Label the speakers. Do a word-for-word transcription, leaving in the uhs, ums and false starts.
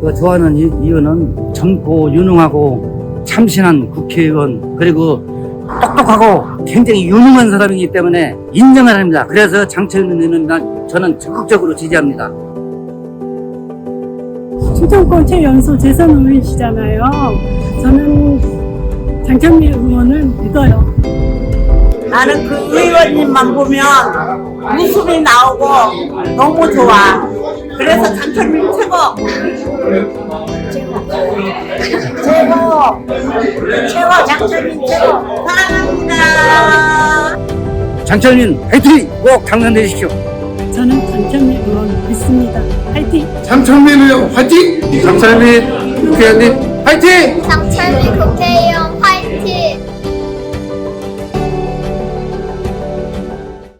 Speaker 1: 그 좋아하는 이- 이유는 젊고 유능하고 참신한 국회의원, 그리고 똑똑하고 굉장히 유능한 사람이기 때문에 인정을 합니다. 그래서 장철민 의원은 저는 적극적으로 지지합니다.
Speaker 2: 충청권 최연소 재선 의원이시잖아요. 저는 장철민 의원을 믿어요.
Speaker 3: 나는 그 의원님만 보면 웃음이 나오고 너무 좋아. 그래서 장철민 최고. 최고. 최고 장철민 최고. 사랑합니다.
Speaker 1: 장철민 화이팅! 꼭 당선되십시오.
Speaker 2: 저는 장철민 의원 믿습니다. 화이팅!
Speaker 4: 장철민 의원 화이팅! 장철민 국회의원님 화이팅!
Speaker 5: 장철민 국회의원 화이팅!